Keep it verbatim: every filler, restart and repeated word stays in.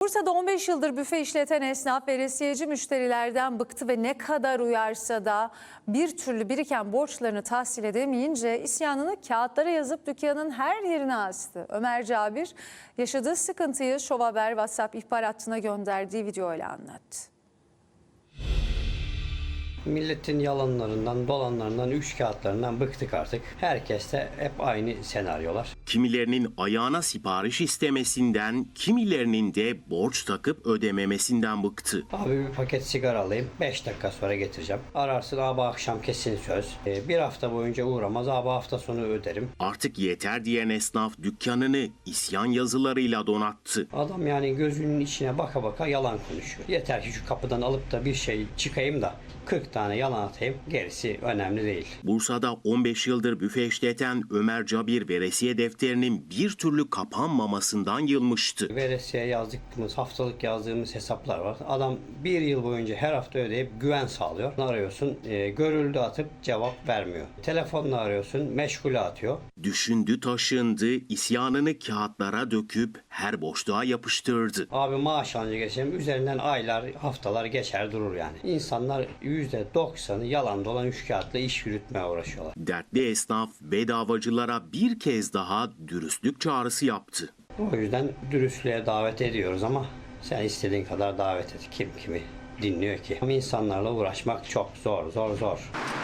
Bursa'da on beş yıldır büfe işleten esnaf veresiyeci müşterilerden bıktı ve ne kadar uyarsa da bir türlü biriken borçlarını tahsil edemeyince isyanını kağıtlara yazıp dükkanın her yerine astı. Ömer Cabir yaşadığı sıkıntıyı Şov Haber WhatsApp ihbar hattına gönderdiği videoyla anlattı. Milletin yalanlarından, dolanlarından, üç kağıtlarından bıktık artık. Herkeste hep aynı senaryolar. Kimilerinin ayağına sipariş istemesinden, kimilerinin de borç takıp ödememesinden bıktı. Abi bir paket sigara alayım, beş dakika sonra getireceğim. Ararsın, abi akşam kesin söz. Ee, bir hafta boyunca uğramaz, abi hafta sonu öderim. Artık yeter diyen esnaf dükkanını isyan yazılarıyla donattı. Adam yani gözünün içine baka baka yalan konuşuyor. Yeter ki şu kapıdan alıp da bir şey çıkayım da kırk tane yalan atayım, gerisi önemli değil. Bursa'da on beş yıldır büfe işleten Ömer Cabir veresiye defterinin bir türlü kapanmamasından yılmıştı. Veresiye yazdığımız, haftalık yazdığımız hesaplar var. Adam bir yıl boyunca her hafta ödeyip güven sağlıyor. Arıyorsun, e, görüldü atıp cevap vermiyor. Telefonla arıyorsun, meşgule atıyor. Düşündü taşındı, isyanını kağıtlara döküp her boşluğa yapıştırdı. Abi maaş alınca geçelim, üzerinden aylar, haftalar geçer durur yani. İnsanlar yüzde doksanı yalan dolan üç kağıtla iş yürütmeye uğraşıyorlar. Dertli esnaf bedavacılara bir kez daha dürüstlük çağrısı yaptı. O yüzden dürüstlüğe davet ediyoruz ama sen istediğin kadar davet et. Kim kimi dinliyor ki? Ama insanlarla uğraşmak çok zor, zor, zor.